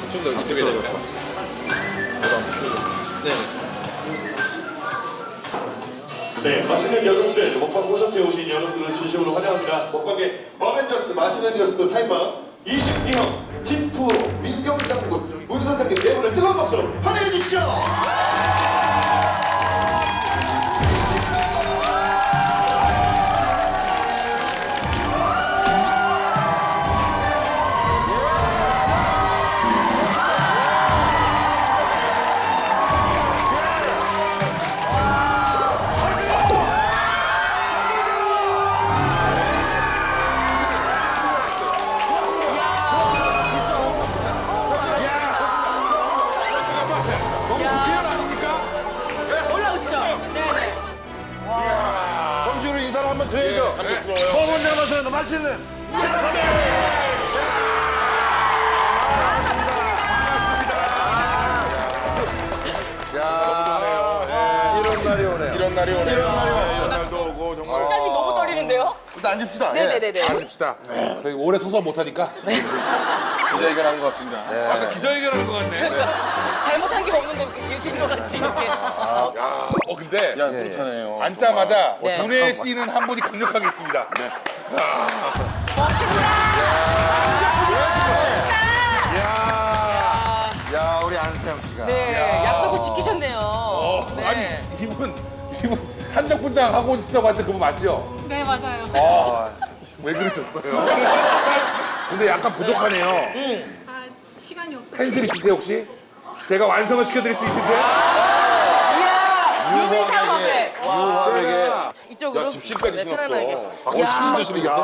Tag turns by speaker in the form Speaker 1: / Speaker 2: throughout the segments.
Speaker 1: 좀 더 이쪽에 될까요? 네.
Speaker 2: 네, 맛있는 여성들, 먹방 콘서트에 오신 여러분들을 진심으로 환영합니다. 먹방의 어벤져스 맛있는 녀석들 사인방 22형 팀프로 민경장군 문 선생님 네 분을 뜨거운 박수로 환영해 주시죠.
Speaker 3: 정식으로 인사를 한번 드려야죠. 먹은 잡아서 맛있는 이런 날이 오네요.
Speaker 4: 이런 날이 오네요.
Speaker 3: 이런 날이 왔어요.
Speaker 4: 이런 날도 오고 정말.
Speaker 5: 심장이 너무 떨리는데요?
Speaker 3: 일단 앉읍시다.
Speaker 5: 네네네네.
Speaker 4: 아쉽시다. 저희 오래 서서 못하니까 기자회견하는 것 같습니다.
Speaker 1: 아까 기자회견하는 것 같네.
Speaker 5: 잘못한 게 없는데 이렇게 뒤집는 것 같이 이렇게.
Speaker 1: 근데
Speaker 4: 야, 못하네요.
Speaker 1: 앉자마자
Speaker 5: 네.
Speaker 1: 눈에 띄는 한 분이 강력하게 있습니다.
Speaker 3: 야, 우리 안세영 씨가.
Speaker 5: 네, 약속을 지키셨네요. 네.
Speaker 1: 아니 이분 산적분장 하고 있다고 하는데 그분 맞죠?
Speaker 6: 네, 맞아요.
Speaker 1: 왜 그러셨어요? 근데 약간 부족하네요.
Speaker 6: 아, 시간이 없어서.
Speaker 1: 펜슬 있으세요 혹시? 제가 완성을 시켜드릴 수 있는데.
Speaker 5: 이야, 유미상업에.
Speaker 3: 유화에게.
Speaker 5: 이쪽으로.
Speaker 4: 야, 집신까지
Speaker 5: 네,
Speaker 4: 신었어.
Speaker 5: 편안하게.
Speaker 4: 무슨 드시겠어?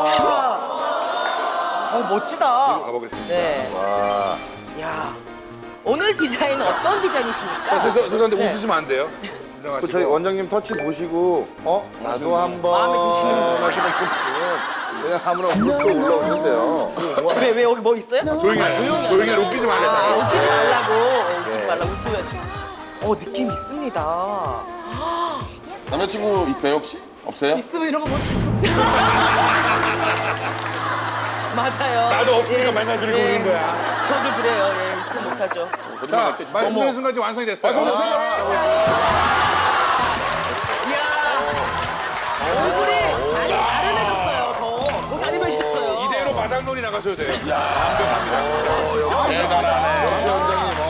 Speaker 5: 멋지다.
Speaker 1: 가보겠습니다.
Speaker 5: 네. 야, 오늘 디자인은 어떤 디자인이십니까?
Speaker 1: 죄송한데
Speaker 5: 네.
Speaker 1: 웃으시면 안 돼요. 진정하시고.
Speaker 3: 저희 원장님 터치 보시고, 나도 한번
Speaker 5: 마음에 드시는
Speaker 3: 하시는 분은 그냥 아무나 훑고 올라오는데요.
Speaker 5: 왜 여기 뭐 있어요?
Speaker 1: 조용히 해. 조용히 해. 웃기지 말래.
Speaker 5: 웃기지 말라고. 웃기지 말라고 웃으면서. 느낌 있습니다.
Speaker 4: 남자친구 있어요 혹시? 없어요?
Speaker 5: 있으면 이런 거 못하죠. 맞아요.
Speaker 1: 나도 없으니까
Speaker 5: 예,
Speaker 1: 맨날 그러고
Speaker 5: 예.
Speaker 1: 오는 거야.
Speaker 5: 저도 그래요. 예, 있으면 못하죠.
Speaker 4: 거짓말
Speaker 1: 자,
Speaker 4: 같지 진짜.
Speaker 1: 말씀드린 순간 지금 완성이 됐어요.
Speaker 5: 얼굴이 많이 아른해졌어요. 더 많이 변셨어요.
Speaker 1: 이대로 마당놀이 나가셔도 돼요. 완벽합니다.
Speaker 3: 역시 원장님.